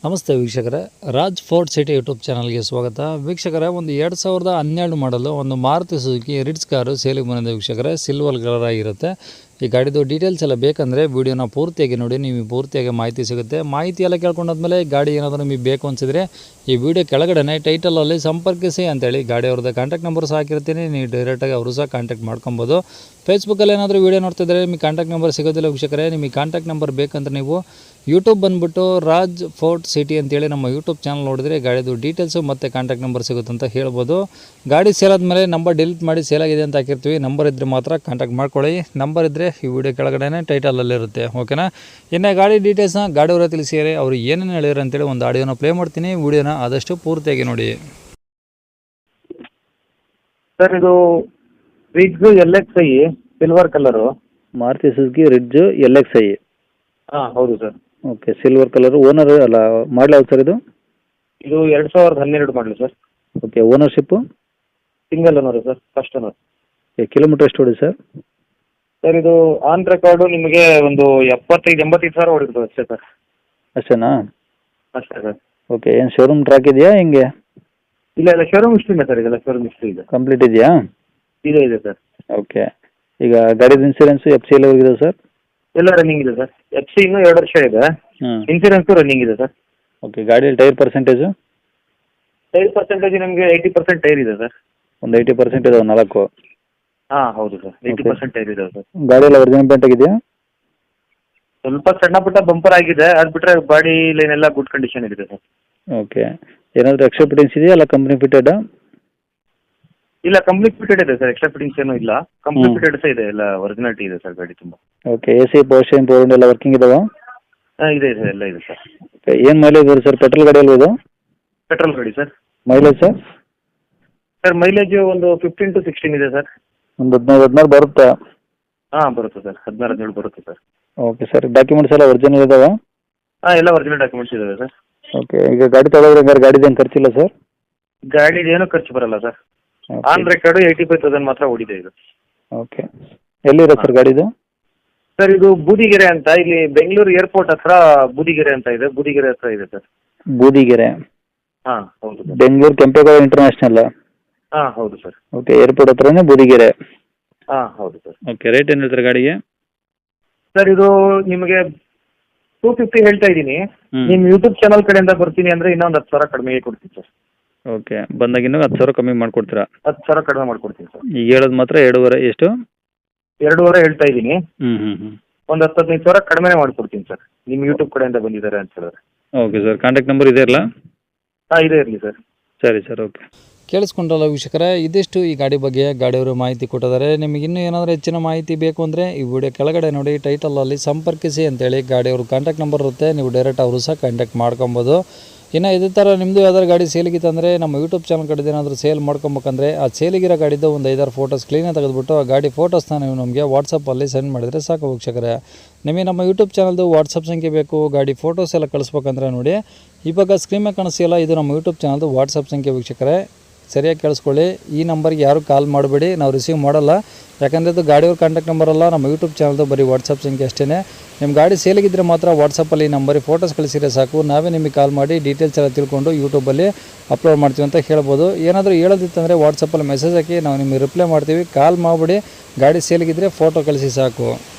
ನಮಸ್ತೆ ವೀಕ್ಷಕರೇ, Raj fort city YouTube ಚಾನಲ್ಗೆ ಸ್ವಾಗತ. ವೀಕ್ಷಕರೇ, ಒಂದು 2012 ಮಾಡಲು ಒಂದು ಮಾರುತಿ ಸುಜುಕಿ ರಿಟ್ಸ್ ಕಾರು ಸೇಲಿಗೆ ಬಂದಿದೆ ವೀಕ್ಷಕರೇ. ಸಿಲ್ವರ್ ಕಲರ್ ಆಗಿರುತ್ತೆ. ಈ ಗಾಡಿದು ಡೀಟೇಲ್ಸ್ ಎಲ್ಲ ಬೇಕಂದರೆ ವೀಡಿಯೋನ ಪೂರ್ತಿಯಾಗಿ ನೋಡಿ, ನಿಮಗೆ ಪೂರ್ತಿಯಾಗಿ ಮಾಹಿತಿ ಸಿಗುತ್ತೆ. ಮಾಹಿತಿ ಎಲ್ಲ ಕೇಳ್ಕೊಂಡಾದ್ಮೇಲೆ ಗಾಡಿ ಏನಾದರೂ ನಿಮಗೆ ಬೇಕು ಅನಿಸಿದರೆ ಈ ವಿಡಿಯೋ ಕೆಳಗಡೆ ಟೈಟಲಲ್ಲಿ ಸಂಪರ್ಕಿಸಿ ಅಂತೇಳಿ ಗಾಡಿ ಅವ್ರದ್ದು ಕಾಂಟ್ಯಾಕ್ಟ್ ನಂಬರ್ ಸಹ ಹಾಕಿರ್ತೀನಿ. ನೀವು ಡೈರೆಕ್ಟಾಗಿ ಅವರು ಸಹ ಕಾಂಟ್ಯಾಕ್ಟ್ ಮಾಡ್ಕೊಬೋದು. ಫೇಸ್ಬುಕ್ಕಲ್ಲಿ ಏನಾದರೂ ವೀಡಿಯೋ ನೋಡ್ತಿದ್ರೆ ನಿಮಗೆ ಕಾಂಟ್ಯಾಕ್ಟ್ ನಂಬರ್ ಸಿಗೋದಿಲ್ಲ ವೀಕ್ಷಕರೇ. ನಿಮಗೆ ಕಾಂಟ್ಯಾಕ್ಟ್ ನಂಬರ್ ಬೇಕಂದ್ರೆ ನೀವು ಯೂಟ್ಯೂಬ್ ಬಂದುಬಿಟ್ಟು ರಾಜ್ ಫೋರ್ಟ್ ಸಿಟಿ ಅಂತೇಳಿ ನಮ್ಮ ಯೂಟ್ಯೂಬ್ ಚಾನಲ್ ನೋಡಿದ್ರೆ ಗಾಡಿದು ಡೀಟೇಲ್ಸು ಮತ್ತು ಕಾಂಟ್ಯಾಕ್ಟ್ ನಂಬರ್ ಸಿಗುತ್ತೆ ಅಂತ ಹೇಳ್ಬೋದು. ಗಾಡಿ ಸೇಲ್ ಆದಮೇಲೆ ನಂಬರ್ ಡಿಲೀಟ್ ಮಾಡಿ ಸೇಲಾಗಿದೆ ಅಂತ ಹಾಕಿರ್ತೀವಿ. ನಂಬರ್ ಇದ್ದರೆ ಮಾತ್ರ ಕಾಂಟ್ಯಾಕ್ಟ್ ಮಾಡ್ಕೊಳ್ಳಿ. ನಂಬರ್ ಇದ್ದರೆ ಈ ವಿಡಿಯೋ ಕೆಳಗಡೆ ಟೈಟಲಲ್ಲಿರುತ್ತೆ. ಓಕೆನಾ? ಇನ್ನು ಗಾಡಿ ಡೀಟೇಲ್ಸ್ನ ಗಾಡಿಯವರ ತಿಳಿಸಿದರೆ ಅವರು ಏನೇನು ಹೇಳಿದ್ರು ಅಂತೇಳಿ ಒಂದು ಆಡಿಯೋನ ಪ್ಲೇ ಮಾಡ್ತೀನಿ. ವಿಡಿಯೋನ ಆದಷ್ಟು ಪೂರ್ತಿಯಾಗಿ ನೋಡಿ. ಸರ್, ಇದು Ritz LXi silver colour. Maruti Suzuki Ritz LXi. ಹಾಂ, ಹೌದು sir. Okay, silver colour. Owner ಅಲ್ಲ, ಮಾಡಲ್ ಯಾವ್ದು ಸರ್ ಇದು? ಇದು 2012 ಮಾಡಲಿ sir. Okay, ownership? Single owner sir, first owner. Kilometre ಎಷ್ಟು ಹೊಡಿ ಸರ್? ಸರ್, ಇದು ಆನ್ ರೆಕಾರ್ಡು ನಿಮಗೆ ಒಂದು 75-85 ಸಾವಿರ ಹೊಡಿತು ಅಷ್ಟೇ ಸರ್. ಅಷ್ಟೇನಾ? ಅಷ್ಟೇ ಸರ್. ಓಕೆ, ಏನು ಶೋರೂಮ್ ಟ್ರ್ಯಾಕ್ ಇದೆಯಾ ಹೆಂಗೆ? ಇಲ್ಲ, ಶೋರೂಮ್ ಹಿಸ್ಟ್ರಿನೇ ಸರ್. ಇದೆಲ್ಲ ಶೋರೂಮ್ ಹಿಸ್ಟ್ರಿ ಇದೆ. ಕಂಪ್ಲೀಟ್ ಇದೆಯಾ? ಇದೆ ಸರ್. ಓಕೆ, ಈಗ ಗಾಡಿದು ಇನ್ಸೂರೆನ್ಸು FC ಎಲ್ಲ ಹೋಗಿದೆ ಸರ್? ಎಲ್ಲ ರನ್ನಿಂಗ್ ಇದೆ ಸರ್. FC ಇನ್ನೂ 2 ವರ್ಷ ಇದೆ. ಇನ್ಸೂರೆನ್ಸು ರನ್ನಿಂಗ್ ಇದೆ ಸರ್. ಓಕೆ, ಗಾಡಿಯಲ್ಲಿ ಟೈರ್ ಪರ್ಸೆಂಟೇಜು? ಟೈರ್ ಪರ್ಸೆಂಟೇಜ್ ನಿಮಗೆ 80% ಟೈರ್ ಇದೆ ಸರ್. ಒಂದು 80% ಇದಾವೆ 4? ಹಾಂ, ಹೌದು ಸರ್. 80% ಟೈರ್ ಇದೆ ಸರ್. ಗಾಡಿಯೆಲ್ಲ ಒರಿಜಿನಲ್ ಪೇಂಟ್ ಆಗಿದೆಯಾ? ಸ್ವಲ್ಪ ಸಣ್ಣ ಪುಟ್ಟ ಬಂಪರ್ ಆಗಿದೆ. ಅದು ಬಿಟ್ಟರೆ ಬಾಡಿ ಲೈನ್ ಎಲ್ಲ ಗುಡ್ ಕಂಡೀಷನ್ ಇದೆ ಸರ್. ಓಕೆ, ಏನಾದರೂ ಎಕ್ಸ್ಟ್ರಾ ಫಿಟ್ಟಿಂಗ್ಸ್ ಇದೆಯಾ ಅಲ್ಲ ಕಂಪ್ನಿ ಫಿಟೆಡ್? ಇಲ್ಲ, ಕಂಪ್ಲೀಟ್ ಫಿಟೆಡ್ ಇದೆ ಸರ್. ಎಕ್ಸ್ಟ್ರಾ ಫಿಟ್ಟಿಂಗ್ಸ್ ಏನೂ ಇಲ್ಲ. ಕಂಪ್ಲೀಟ್ ಫಿಟೆಡ್ ಸಹ ಇದೆ. ಎಲ್ಲ ಒರಿಜಿನಾಲಿಟಿ ಇದೆ ಸರ್ ಗಾಡಿ ತುಂಬ. Okay, AC power steering power window ಎಲ್ಲ ವರ್ಕಿಂಗ್ ಇದಾವಾ? ಹಾಂ, ಇದೆ ಸರ್. ಎಲ್ಲ ಇದೆ ಸರ್. ಓಕೆ, ಏನು ಮೈಲೇಜ್ ಬರುತ್ತೆ ಸರ್? ಪೆಟ್ರೋಲ್ ಗಾಡಿ ಅಲ್ವಾ ಇದು? ಪೆಟ್ರೋಲ್ ಗಾಡಿ sir. Mileage sir? Sir, mileage ಒಂದು 15 to 16 ಇದೆ ಸರ್. ಒಂದು 15-16 ಬರುತ್ತಾ? ಹಾಂ, ಬರುತ್ತೆ ಸರ್. 16-17 ಬರುತ್ತೆ ಸರ್. ಓಕೆ ಸರ್, ಡಾಕ್ಯುಮೆಂಟ್ಸ್ ಎಲ್ಲ ಒರಿಜಿನಲ್ ಇದಾವಾ? ಹಾಂ, ಎಲ್ಲ ಒರಿಜಿನಲ್ ಡಾಕ್ಯುಮೆಂಟ್ಸ್ ಇದಾವೆ ಸರ್. ಓಕೆ, ಈಗ ಗಾಡಿ ತಗೊಳ್ಳೋದ್ರೆ ಹಂಗಾರೆ ಗಾಡಿದೇನು ಖರ್ಚಿಲ್ಲ ಸರ್? ಗಾಡಿದು ಏನೂ ಖರ್ಚು ಬರಲ್ಲ ಸರ್. ಆನ್ ರೆಕಾರ್ಡು 85,000 ಮಾತ್ರ ಓಡಿದೆ ಇದು. ಓಕೆ, ಎಲ್ಲಿದೆ ಸರ್ ಗಾಡಿದು? ಸರ್, ಇದು ಬೂದಿಗೆರೆ ಅಂತ, ಇಲ್ಲಿ ಬೆಂಗಳೂರು ಏರ್ಪೋರ್ಟ್ ಹತ್ರ ಬೂದಿಗೆರೆ ಅಂತ ಇದೆ. ಬೂದಿಗೆರೆ ಹತ್ರ ಇದೆ ಸರ್. ಬೂದಿಗೆರೆ? ಹಾಂ, ಹೌದು ಸರ್. ಬೆಂಗಳೂರು ಕೆಂಪೇಗೌಡ ಇಂಟರ್ನ್ಯಾಷನಲ್? ಹಾಂ, ಹೌದು ಸರ್. ಓಕೆ, ಏರ್ಪೋರ್ಟ್ ಹತ್ರನೇ ಬೂದಿಗೆರೆ? ಹಾಂ, ಹೌದು ಸರ್. ಓಕೆ, ರೇಟ್ ಏನು ಹೇಳ್ತಾರೆ ಗಾಡಿಗೆ? ಸರ್, ಇದು ನಿಮಗೆ 250 ಹೇಳ್ತಾ ಇದ್ದೀನಿ. ನಿಮ್ಮ ಯೂಟ್ಯೂಬ್ ಚಾನಲ್ ಕಡೆಯಿಂದ ಬರ್ತೀನಿ ಅಂದರೆ ಇನ್ನೊಂದು 10,000 ಕಡಿಮೆಗೆ ಕೊಡ್ತೀನಿ ಸರ್. ಓಕೆ, ಬಂದಾಗ ಇನ್ನೂ 10,000 ಕಮ್ಮಿ ಮಾಡಿಕೊಡ್ತೀರಾ? 10,000 ಕಡಿಮೆ ಮಾಡ್ಕೊಡ್ತೀನಿ ಸರ್. ಈಗ ಹೇಳೋದು ಮಾತ್ರ 2.5 ಎಷ್ಟು? 2.5 ಹೇಳ್ತಾ ಇದ್ದೀನಿ. ಹ್ಞೂ ಒಂದು 10-15 ಸಾವಿರ ಕಡಿಮೆ ಮಾಡ್ಕೊಡ್ತೀನಿ ಸರ್. ನಿಮ್ಮ ಯೂಟ್ಯೂಬ್ ಕಡೆಯಿಂದ ಬಂದಿದ್ದಾರೆ ಅಂತ ಹೇಳಿದ್ರೆ. ಓಕೆ ಸರ್, ಕಾಂಟ್ಯಾಕ್ಟ್ ನಂಬರ್ ಇದೆ ಅಲ್ಲ? ಹಾಂ, ಇದೆ ಇರಲಿ ಸರ್. ಸರಿ ಸರ್, ಓಕೆ. ಕೇಳಿಸ್ಕೊಂಡ್ರಲ್ಲ ವೀಕ್ಷಕರೇ, ಇದಿಷ್ಟು ಈ ಗಾಡಿ ಬಗ್ಗೆ ಗಾಡಿಯವರು ಮಾಹಿತಿ ಕೊಟ್ಟಿದ್ದಾರೆ. ನಿಮಗೆ ಇನ್ನೂ ಏನಾದರೂ ಹೆಚ್ಚಿನ ಮಾಹಿತಿ ಬೇಕು ಅಂದರೆ ಈ ವಿಡಿಯೋ ಕೆಳಗಡೆ ನೋಡಿ ಟೈಟಲಲ್ಲಿ ಸಂಪರ್ಕಿಸಿ ಅಂತೇಳಿ ಗಾಡಿಯವ್ರ ಕಾಂಟ್ಯಾಕ್ಟ್ ನಂಬರ್ ಇರುತ್ತೆ. ನೀವು ಡೈರೆಕ್ಟ್ ಅವರು ಸಹ ಕಾಂಟ್ಯಾಕ್ಟ್ ಮಾಡ್ಕೊಬೋದು. ಇನ್ನು ಇದೇ ಥರ ನಿಮ್ಮದು ಯಾವ್ದಾದ್ರು ಗಾಡಿ ಸೇಲಿಗಿತ್ತಂದರೆ ನಮ್ಮ ಯೂಟ್ಯೂಬ್ ಚಾನಲ್ ಕಡೆ ಏನಾದರೂ ಸೇಲ್ ಮಾಡ್ಕೊಬೇಕಂದ್ರೆ ಆ ಸೇಲಿಗಿರೋ ಗಾಡಿದ್ದು ಒಂದು 5-6 ಫೋಟೋಸ್ ಕ್ಲೀನಾಗಿ ತೆಗೆದುಬಿಟ್ಟು ಆ ಗಾಡಿ ಫೋಟೋಸ್ನ ನೀವು ನಮಗೆ ವಾಟ್ಸಪ್ಪಲ್ಲಿ ಸೆಂಡ್ ಮಾಡಿದರೆ ಸಾಕು ವೀಕ್ಷಕರೇ. ನಿಮಗೆ ನಮ್ಮ ಯೂಟ್ಯೂಬ್ ಚಾನಲ್ದು ವಾಟ್ಸಪ್ ಸಂಖ್ಯೆ ಬೇಕು, ಗಾಡಿ ಫೋಟೋಸ್ ಎಲ್ಲ ಕಳಿಸ್ಬೇಕಂದ್ರೆ ನೋಡಿ ಇವಾಗ ಸ್ಕ್ರೀನ್ ಮೇಲೆ ಕಾಣಿಸ್ತಿಲ್ಲ, ಇದು ನಮ್ಮ ಯೂಟ್ಯೂಬ್ ಚಾನಲ್ದು ವಾಟ್ಸಪ್ ಸಂಖ್ಯೆ ವೀಕ್ಷಕರೇ. ಸರಿಯಾಗಿ ಕೇಳಿಸ್ಕೊಳ್ಳಿ, ಈ ನಂಬರ್ಗೆ ಯಾರು ಕಾಲ್ ಮಾಡಬೇಡಿ, ನಾವು ರಿಸೀವ್ ಮಾಡಲ್ಲ. ಯಾಕಂದರೆ ಇದು ಗಾಡಿಯವ್ರ ಕಾಂಟ್ಯಾಕ್ಟ್ ನಂಬರ್ ಅಲ್ಲ, ನಮ್ಮ ಯೂಟ್ಯೂಬ್ ಚಾನಲ್ದು ಬರೀ ವಾಟ್ಸಪ್ ಸಂಖ್ಯೆ ಅಷ್ಟೇ. ನಿಮ್ಮ ಗಾಡಿ ಸೇಲಿಗಿದ್ರೆ ಮಾತ್ರ ವಾಟ್ಸಪ್ಪಲ್ಲಿ ಈ ನಂಬರಿಗೆ ಫೋಟೋಸ್ ಕಳಿಸಿದ್ರೆ ಸಾಕು, ನಾವೇ ನಿಮಗೆ ಕಾಲ್ ಮಾಡಿ ಡೀಟೇಲ್ಸ್ ಎಲ್ಲ ತಿಳ್ಕೊಂಡು ಯೂಟ್ಯೂಬಲ್ಲಿ ಅಪ್ಲೋಡ್ ಮಾಡ್ತೀವಿ ಅಂತ ಹೇಳ್ಬೋದು. ಏನಾದರೂ ಹೇಳೋದಿತ್ತಂದರೆ ವಾಟ್ಸಪ್ಪಲ್ಲಿ ಮೆಸೇಜ್ ಹಾಕಿ ನಾವು ನಿಮಗೆ ರಿಪ್ಲೈ ಮಾಡ್ತೀವಿ. ಕಾಲ್ ಮಾಡಿಬಿಡಿ, ಗಾಡಿ ಸೇಲಿಗಿದ್ರೆ ಫೋಟೋ ಕಳಿಸಿ ಸಾಕು.